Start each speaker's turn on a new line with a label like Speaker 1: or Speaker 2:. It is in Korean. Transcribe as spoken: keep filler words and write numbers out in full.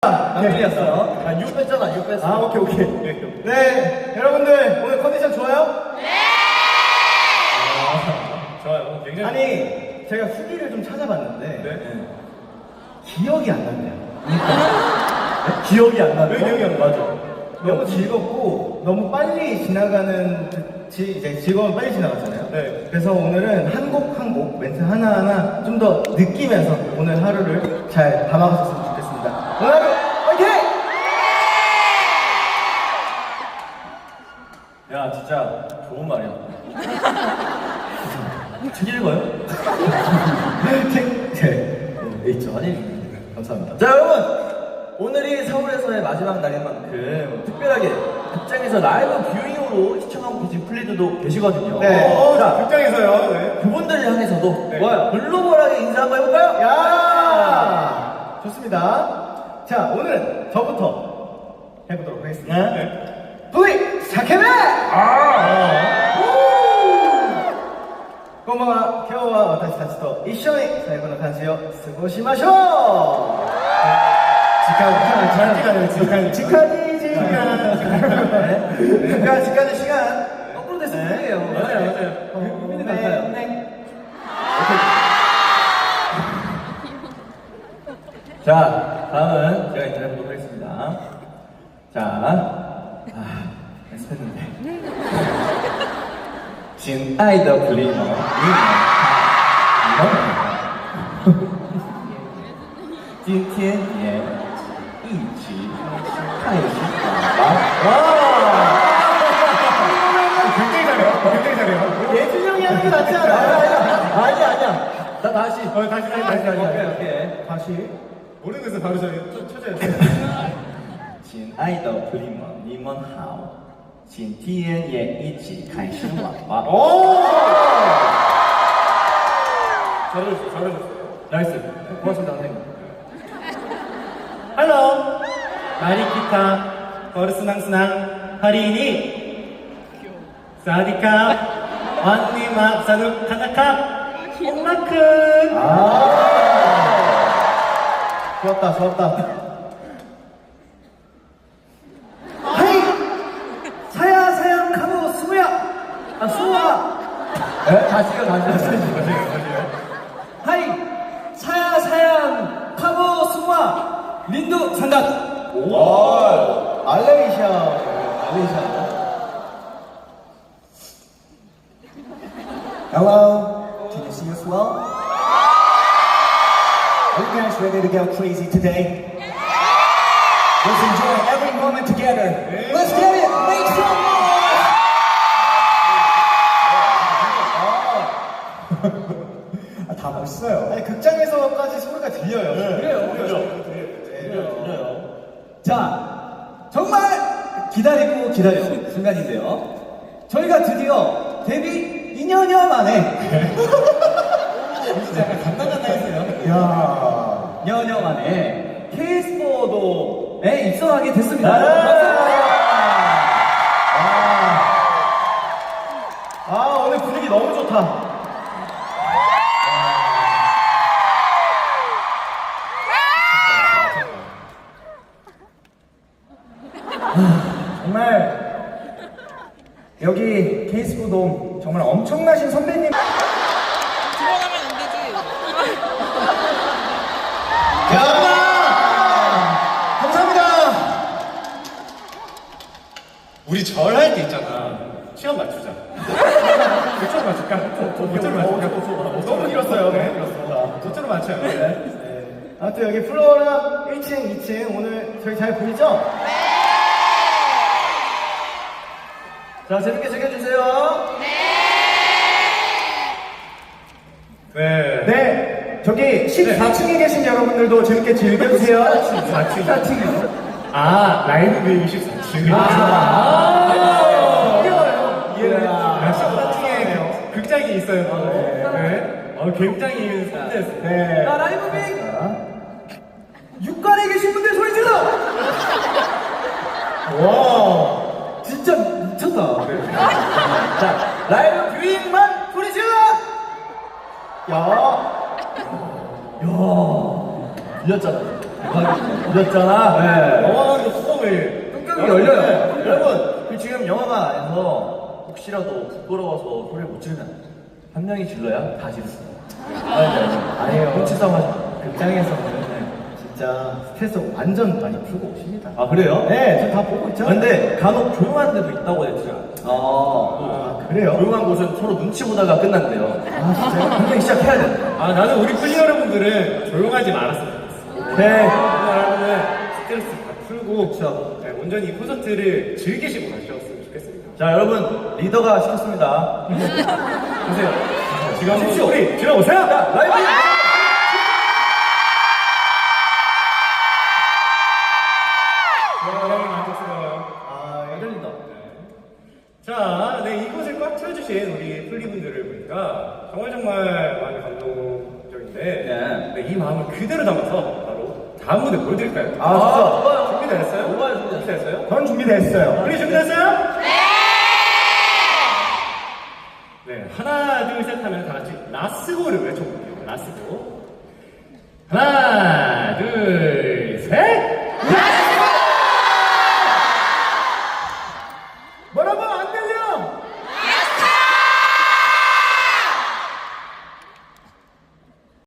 Speaker 1: 안 틀렸어. 아, 육 뺐잖아, 육 뺐어.
Speaker 2: 아, 오케이, 오케이. 네, 여러분들 오늘 컨디션 좋아요? 네!
Speaker 1: 아, 좋아요. 굉장히.
Speaker 2: 아니, 제가 후기를 좀 찾아봤는데
Speaker 1: 네.
Speaker 2: 기억이 안 난대요. 네? 기억이 안 나요.
Speaker 1: 왜 기억이 안 나죠?
Speaker 2: 너무 즐겁고 너무 빨리 지나가는 지, 이제 즐거운 빨리 지나갔잖아요.
Speaker 1: 네.
Speaker 2: 그래서 오늘은 한 곡 한 곡 멘트 하나하나 좀 더 느끼면서 오늘 하루를 잘 담아가셨으면 좋겠습니다. 오늘 하루 화이팅!
Speaker 1: 야, 진짜 좋은 말이야. 책 읽어요?
Speaker 2: 책, 네.
Speaker 1: 네, 있죠. 아니, 감사합니다. 자, 여러분! 오늘이 서울에서의 마지막 날인 만큼 특별하게 극장에서 라이브 뷰잉으로 시청하고 계신 플리드도 계시거든요.
Speaker 2: 네.
Speaker 1: 어, 자,
Speaker 2: 극장에서요. 네.
Speaker 1: 그분들을 향해서도
Speaker 2: 네.
Speaker 1: 좋아요. 글로벌하게 인사 한번 해볼까요?
Speaker 2: 야! 좋습니다. 자, 오늘은 저부터 해보도록 하겠습니다.
Speaker 1: 네.
Speaker 2: V! 사케베!
Speaker 1: 아!
Speaker 2: こんばんは。今日は私たちと一緒に最後の漢字を過ごしましょう。時間、時間、時間、時間に時間、時間、時間의 시간.
Speaker 1: 거꾸로 됐으면 되게요. 맞아요, 맞아요.
Speaker 2: 네,
Speaker 1: 같아요.
Speaker 2: 네.
Speaker 1: 자, 다음은 제가 인사해보도록 하겠습니다. 자, 아, 연습했는데. 亲爱的 플리머, 님, 님, 今天也一起看一吧. 와!
Speaker 2: 굉장히 잘해요. 굉장히 잘해요.
Speaker 1: 예준이 형이 하는 게 낫지 않아? 아니야, 아니야, 아니야. 나 다시.
Speaker 2: 어, 다시, 다시, 다시, 다시.
Speaker 1: 오케이, 오케이.
Speaker 2: 다시. 모르는 것을 바로 저 찾아야 돼.
Speaker 1: 亲爱的 플리머, 你们好. 今天也一起开始玩吧.
Speaker 2: 오! 잘하셨어요, 잘하셨어요.
Speaker 1: 나이스. 고맙습니다, 선생님.
Speaker 2: Halo, mari kita bersenang-senang hari ini. Sawadika, wanima sanu kanakap, 엄마큰. 아, 좋았다, 좋았다. 하이, 사야 사양 카모 스무야, 아 스무야.
Speaker 1: 네? 다시요, 다시요, 다시요.
Speaker 2: 하이, 사야 사양 카모 스무야, 린두 상각. 오, 알레이샤, 알레이샤.
Speaker 3: Hello, can you see us well? Are you guys ready to go crazy today? Let's enjoy every moment together. Let's get it! Make some noise! 아, 다 멋있어요.
Speaker 2: 아니 극장에서까지 소리가 들려요.
Speaker 1: 그래요, 그래요.
Speaker 2: 들려요.
Speaker 1: 그래요.
Speaker 3: 자, 정말 기다리고 기다린 순간인데요. 저희가 드디어 데뷔 이 년여 만에
Speaker 2: 약간 간당간당했어요.
Speaker 3: 야, 년여 만에 케이스포도에 입성하게 됐습니다.
Speaker 2: 네.
Speaker 3: 감사합니다.
Speaker 2: 아 오늘 분위기 너무 좋다.
Speaker 3: 정말 여기 케이스포돔 정말 엄청나신 선배님.
Speaker 4: 들어가면 안 되지.
Speaker 2: 감사합니다. 우리 절 할 때 있잖아. 시간 맞추자. 저쪽으로 맞출까? 저쪽으로 맞출까? 너무 길었어요. 네, 그렇습니다. 저쪽으로 맞춰요. 네. 네. 아무튼 여기 플로어랑 일 층, 이 층 오늘 저희 잘 보이죠?
Speaker 1: 자, 재밌게 즐겨주세요.
Speaker 2: 네.
Speaker 3: 네, 저기 십사 층에 계신 여러분들도 재밌게 즐겨주세요.
Speaker 2: 십사 층.
Speaker 3: 십사 층이요.
Speaker 2: 아, 라이브 뷰잉 십사 층.
Speaker 3: 아,
Speaker 2: 이해가요. 이해가요. 십사 층에 극장이 있어요. 또. 네. 어, 굉장히 성대했어요.
Speaker 3: 네.
Speaker 1: 자, 라이브 빅!
Speaker 3: 육관에 계신 분들 소리 질러!
Speaker 2: 와.
Speaker 3: 진짜 미쳤다.
Speaker 1: 자, 라이브 뷰잉만 소리 질러!
Speaker 2: 야.
Speaker 1: 야, 들렸잖아. 대박이다. 늦었잖아. 네.
Speaker 2: 영화관도 뚜껑을
Speaker 1: 뚜껑이 열려요. 여러분, 그 지금 영화관 안에서 혹시라도 부끄러워서 소리를 못 지르면 한 명이 질러야 다 지르세요.
Speaker 3: 아니에요.
Speaker 1: 눈치싸움 하지 마.
Speaker 3: 극장에서는 진짜 스트레스 완전 많이 풀고 오십니다.
Speaker 1: 아, 그래요?
Speaker 3: 네, 저 다 보고 있죠.
Speaker 1: 근데 간혹 조용한 데도 있다고 했죠.
Speaker 3: 아, 아, 그래요?
Speaker 1: 조용한 곳은 서로 눈치 보다가 끝난대요. 아, 진짜요? 한 명이 시작해야 돼.
Speaker 2: 아, 나는 우리 팬 여러분들은 조용하지 말았으면 좋겠어.
Speaker 1: 오케이.
Speaker 2: 여러분은 스트레스 다 풀고 네, 온전히 이 콘서트를 즐기시고 가셨으면 좋겠습니다.
Speaker 1: 자, 여러분, 리더가 시켰습니다.
Speaker 2: 보세요. 지금 한번
Speaker 1: 십시오.
Speaker 2: 소리 들어보세요.
Speaker 1: 자, 라이브!
Speaker 2: 여러분 만족스러워요.
Speaker 1: 아, 열린다.
Speaker 2: 자, 네, 이곳을 꽉 채워주신 우리 플리분들을 보니까 정말 정말 많이 감동적인데
Speaker 1: 네.
Speaker 2: 네, 이 마음을 그대로 담아서 바로 다음 무대 보여드릴까요?
Speaker 1: 아, 좋아요.
Speaker 2: 준비됐어요?
Speaker 1: 뭐가요, 준비됐어요?
Speaker 2: 준비됐어요?
Speaker 3: 전 준비됐어요.
Speaker 2: 우리 준비됐어요? 네! 네, 하나, 둘, 셋 하면 다 같이 라스고를 외쳐볼게요. 라스고. 하나, 둘,